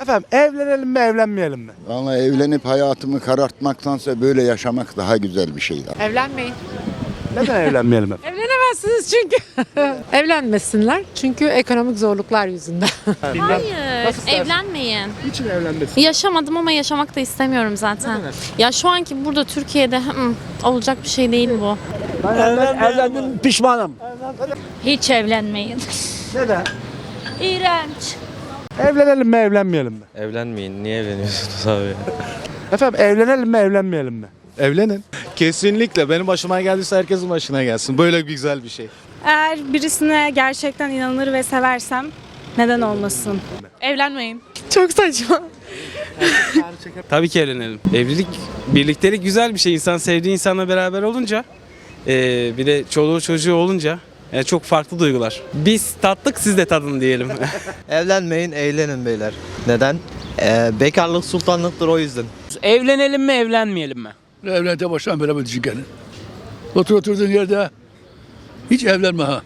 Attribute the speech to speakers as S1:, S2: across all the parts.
S1: Efendim evlenelim mi evlenmeyelim mi?
S2: Vallahi evlenip hayatımı karartmaktansa böyle yaşamak daha güzel bir şey.
S3: Evlenmeyin.
S1: Neden evlenmeyelim efendim?
S3: Evlenemezsiniz çünkü. Evlenmesinler çünkü ekonomik zorluklar yüzünden.
S4: Hayır,
S1: Nasıl istersin?
S4: evlenmeyin.
S1: Niçin evlenmesin?
S4: Yaşamadım ama yaşamak da istemiyorum zaten. Ya şu anki burada Türkiye'de olacak bir şey değil bu.
S5: Evlendim, pişmanım.
S6: Hiç evlenmeyin.
S1: Neden?
S6: İğrenç.
S1: Evlenelim mi evlenmeyelim mi?
S7: Evlenmeyin. Niye evleniyorsunuz abi?
S1: Efendim evlenelim mi evlenmeyelim mi?
S8: Evlenin. Kesinlikle. Benim başıma geldiyse herkesin başına gelsin. Böyle güzel bir şey.
S9: Eğer birisine gerçekten inanır ve seversem neden olmasın?
S4: Evlenmeyin.
S3: Çok saçma.
S7: Tabii ki evlenelim. Evlilik, birliktelik güzel bir şey. İnsan sevdiği insanla beraber olunca, bir de çoluğu çocuğu olunca çok farklı duygular. Biz tattık, siz de tadın diyelim.
S10: Evlenmeyin, eğlenin beyler. Neden? Bekarlık sultanlıktır, o yüzden.
S5: Evlenelim mi evlenmeyelim mi?
S11: Evlenete baştan beraber düşüncenin. Oturduğun yerde hiç evlenme ha.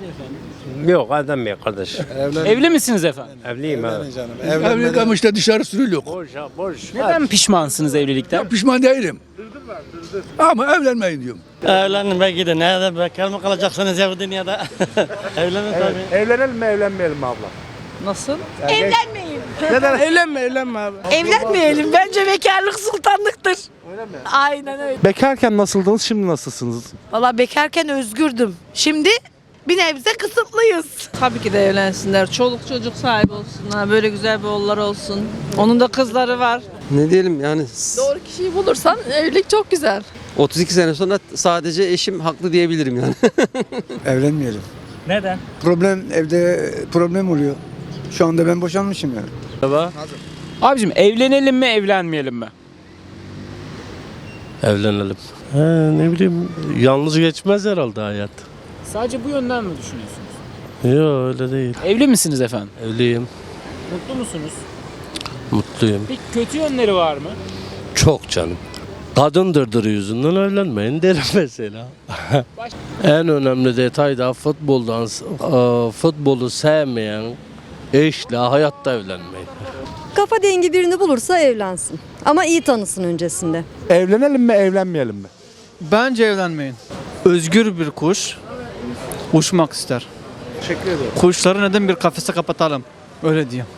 S5: Yok evlenmiyor kardeş. Evli misiniz efendim?
S8: Evliyim abi.
S11: Evlilik ama işte dışarı sürülüyor.
S5: Boş. Neden pişmansınız evlilikten?
S11: Pişman değilim. Ama evlenmeyin diyorum.
S5: Evlenme gidin. Nerede bekar mı kalacaksınız ya bu dünyada? Evlenin tabii.
S1: Evlenelim mi evlenmeyelim mi abla?
S3: Nasıl?
S9: Evlenmeyin.
S1: Neden?
S3: Evlenme abi.
S9: Evlenmeyelim. Bence bekarlık sultanlıktır.
S1: Öyle mi?
S9: Aynen öyle.
S1: Bekarken nasıldınız şimdi nasılsınız?
S3: Valla bekarken özgürdüm. Şimdi bir nebze kısıtlıyız.
S12: Tabii ki de evlensinler. Çoluk çocuk sahibi olsunlar. Böyle güzel bir oğulları olsun. Onun da kızları var.
S10: Ne diyelim yani,
S3: Doğru kişiyi bulursan evlilik çok güzel.
S10: 32 sene sonra sadece eşim haklı diyebilirim yani.
S11: Evlenmeyelim.
S5: Neden?
S11: Evde problem oluyor. Şu anda ben boşanmışım yani.
S5: Abicim evlenelim mi evlenmeyelim mi?
S8: Evlenelim. Ne bileyim, yalnız geçmez herhalde hayat.
S5: Sadece bu yönden mi düşünüyorsunuz?
S8: Yok öyle değil.
S5: Evli misiniz efendim?
S8: Evliyim.
S5: Mutlu musunuz?
S8: Mutluyum.
S5: Peki kötü yönleri var mı?
S8: Çok canım. Kadın dırdırı yüzünden evlenmeyin derim mesela. En önemli detay da futbolu sevmeyen eşle hayatta evlenmeyin.
S6: Kafa dengi birini bulursa evlensin. Ama iyi tanısın öncesinde.
S1: Evlenelim mi evlenmeyelim mi?
S10: Bence evlenmeyin. Özgür bir kuş uçmak ister.
S1: Teşekkür ederim.
S10: Kuşları neden bir kafese kapatalım? Öyle diyeyim.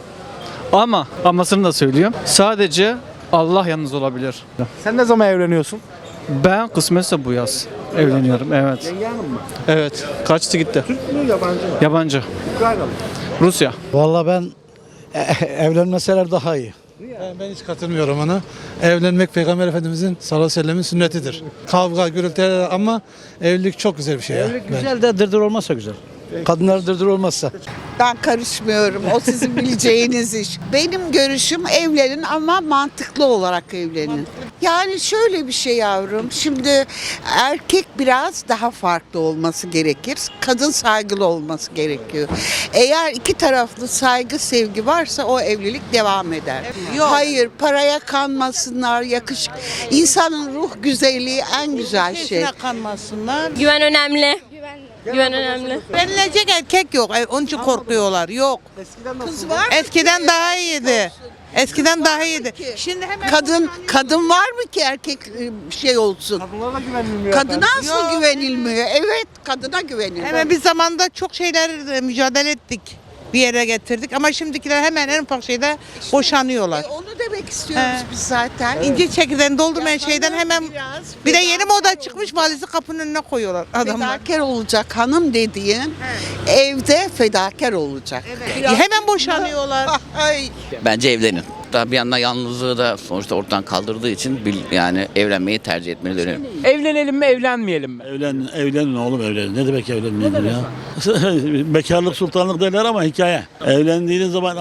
S10: Amasını da söylüyorum. Sadece Allah yalnız olabilir.
S1: Sen ne zaman evleniyorsun?
S10: Ben kısmetse bu yaz evleniyorum. Evet.
S1: Yenge hanım mı?
S10: Evet. Kaçtı gitti.
S1: Türk mü yabancı mı?
S10: Yabancı.
S1: Ukraynalı.
S10: Rusya.
S11: Vallahi ben evlenmeseler daha iyi.
S8: Ben hiç katılmıyorum ona. Evlenmek Peygamber Efendimizin sallallahu aleyhi ve sellemin sünnetidir. Kavga, gürültü ama evlilik çok güzel bir şey ya.
S11: Güzel de dırdır olmazsa güzel. Kadınlar dırdır olmazsa.
S12: Ben karışmıyorum. O sizin bileceğiniz iş. Benim görüşüm evlenin ama mantıklı olarak evlenin. Yani şöyle bir şey yavrum. Şimdi erkek biraz daha farklı olması gerekir. Kadın saygılı olması gerekiyor. Eğer iki taraflı saygı, sevgi varsa o evlilik devam eder. Hayır, paraya kanmasınlar, yakışık. İnsanın ruh güzelliği en güzel şey. Kanmasınlar.
S4: Güven önemli. Güven önemli.
S12: Evlenecek erkek yok. Onun için korkuyorlar. Yok. Kız var. Eskiden daha iyiydi. Eskiden daha iyiydi. Şimdi hemen kadın var mı ki erkek şey olsun?
S1: Kadınlara güvenilmiyor.
S12: Kadına asıl güvenilmiyor. Evet, kadına güvenilmiyor. Hemen bir zamanda çok şeyler mücadele ettik. Bir yere getirdik ama şimdikiler hemen en ufak şeyde boşanıyorlar. Onu demek istiyoruz biz zaten. İnce çekirdeğini doldurmayan şeyden hemen bir de yeni moda çıkmış valizi kapının önüne koyuyorlar adamlar. Fedakar olacak hanım dediğin evde fedakar olacak. Hemen boşanıyorlar.
S10: Bence evlenin. Daha bir yandan yalnızlığı da sonuçta ortadan kaldırdığı için yani evlenmeyi tercih etmeli dönüyorum.
S5: Evlenelim mi evlenmeyelim mi?
S11: Evlenin oğlum evlenin. Ne demek evlenmeyin ya? Bekarlık sultanlık derler ama hikaye. Evlendiğiniz zaman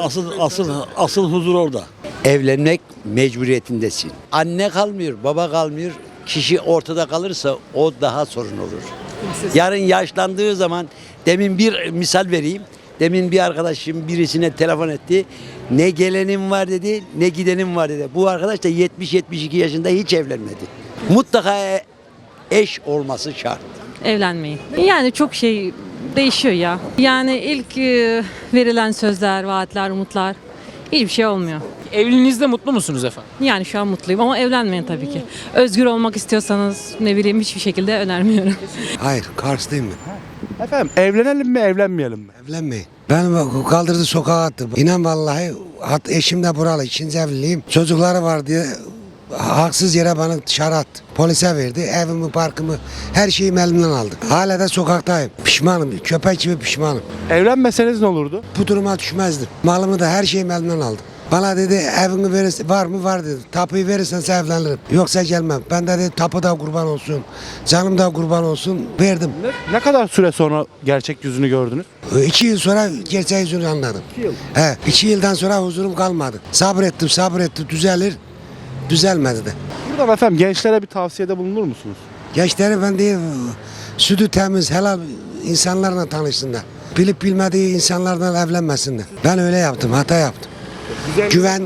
S11: asıl huzur orada.
S10: Evlenmek mecburiyetindesin. Anne kalmıyor, baba kalmıyor. Kişi ortada kalırsa o daha sorun olur. Yarın yaşlandığı zaman, demin bir misal vereyim. Demin bir arkadaşım birisine telefon etti. Ne gelenim var dedi, ne gidenim var dedi. Bu arkadaş da 70-72 yaşında hiç evlenmedi. Mutlaka eş olması şart.
S6: Evlenmeyin. Yani çok şey değişiyor ya. Yani ilk verilen sözler, vaatler, umutlar
S3: hiçbir şey olmuyor.
S13: Evliliğinizde mutlu musunuz efendim?
S3: Yani şu an mutluyum ama evlenmeyin tabii ki. Özgür olmak istiyorsanız ne bileyim hiçbir şekilde önermiyorum.
S10: Hayır, Karslıyım ben.
S1: Efendim evlenelim mi evlenmeyelim mi?
S10: Evlenmeyin. Ben kaldırdı sokağa attı. İnan vallahi eşim de buralı. 2. evliliğim. Çocukları var diye haksız yere bana dışarı attı. Polise verdi. Evimi, parkımı, her şeyimi elimden aldı. Hala da sokaktayım. Pişmanım. Köpek gibi pişmanım.
S1: Evlenmeseniz ne olurdu?
S10: Bu duruma düşmezdim. Malımı da her şeyimi elimden aldı. Bana dedi evini verirsen, var mı var dedi. Tapuyu verirsen evlenirim. Yoksa gelmem. Ben de dedi tapu da kurban olsun. Canım da kurban olsun. Verdim.
S1: Ne kadar süre sonra gerçek yüzünü gördünüz?
S10: 2 yıl sonra gerçek yüzünü anladım.
S1: 2 yıl.
S10: 2 yıldan sonra huzurum kalmadı. Sabrettim düzelir. Düzelmedi de.
S1: Buradan efendim gençlere bir tavsiyede bulunur musunuz?
S10: Gençleri ben değil, sütü temiz, helal insanlarla tanışsınlar. Bilip bilmediği insanlarla evlenmesinler. Ben öyle yaptım, hata yaptım.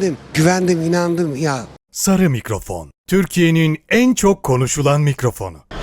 S10: Güvendim, inandım ya.
S14: Sarı mikrofon. Türkiye'nin en çok konuşulan mikrofonu.